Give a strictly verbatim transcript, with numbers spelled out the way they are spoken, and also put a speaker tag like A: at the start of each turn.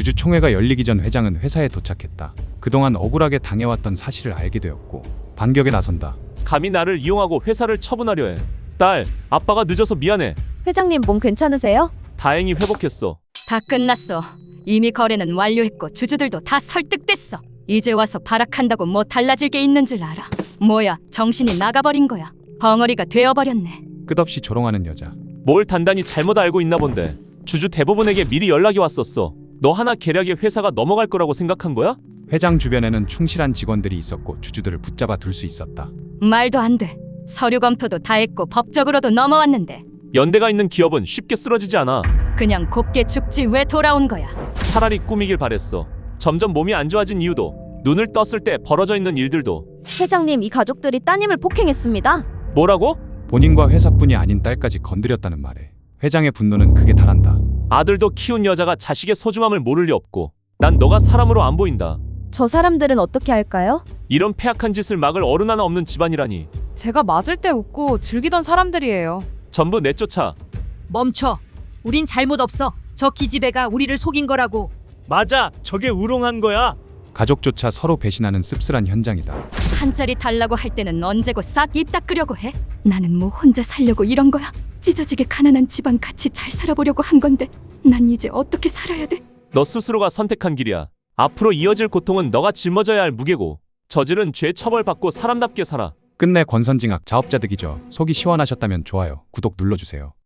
A: 주주총회가 열리기 전 회장은 회사에 도착했다. 그동안 억울하게 당해왔던 사실을 알게 되었고 반격에 나선다.
B: 감히 나를 이용하고 회사를 처분하려 해. 딸, 아빠가 늦어서 미안해.
C: 회장님 몸 괜찮으세요?
B: 다행히 회복했어.
D: 다 끝났어. 이미 거래는 완료했고 주주들도 다 설득됐어. 이제 와서 발악한다고 뭐 달라질 게 있는 줄 알아. 뭐야, 정신이 나가버린 거야. 벙어리가 되어버렸네.
A: 끝없이 조롱하는 여자.
B: 뭘 단단히 잘못 알고 있나 본데. 주주 대부분에게 미리 연락이 왔었어. 너 하나 계략에 회사가 넘어갈 거라고 생각한 거야?
A: 회장 주변에는 충실한 직원들이 있었고 주주들을 붙잡아 둘 수 있었다.
D: 말도 안 돼. 서류 검토도 다 했고 법적으로도 넘어왔는데
B: 연대가 있는 기업은 쉽게 쓰러지지 않아.
D: 그냥 곱게 죽지 왜 돌아온 거야.
B: 차라리 꾸미길 바랬어. 점점 몸이 안 좋아진 이유도, 눈을 떴을 때 벌어져 있는 일들도.
C: 회장님, 이 가족들이 따님을 폭행했습니다.
B: 뭐라고?
A: 본인과 회사뿐이 아닌 딸까지 건드렸다는 말에 회장의 분노는 극에 달한다.
B: 아들도 키운 여자가 자식의 소중함을 모를 리 없고 난 너가 사람으로 안 보인다.
C: 저 사람들은 어떻게 할까요?
B: 이런 폐악한 짓을 막을 어른 하나 없는 집안이라니.
E: 제가 맞을 때 웃고 즐기던 사람들이에요.
B: 전부 내쫓아.
F: 멈춰. 우린 잘못 없어. 저 기집애가 우리를 속인 거라고.
G: 맞아, 저게 우롱한 거야.
A: 가족조차 서로 배신하는 씁쓸한 현장이다.
D: 한 자리 달라고 할 때는 언제고 싹 입 닦으려고 해? 나는 뭐 혼자 살려고 이런 거야? 찢어지게 가난한 집안 같이 잘 살아보려고 한 건데 난 이제 어떻게 살아야 돼?
B: 너 스스로가 선택한 길이야. 앞으로 이어질 고통은 너가 짊어져야 할 무게고, 저지른 죄 처벌받고 사람답게 살아.
A: 끝내 권선징악 자업자득이죠. 속이 시원하셨다면 좋아요, 구독 눌러주세요.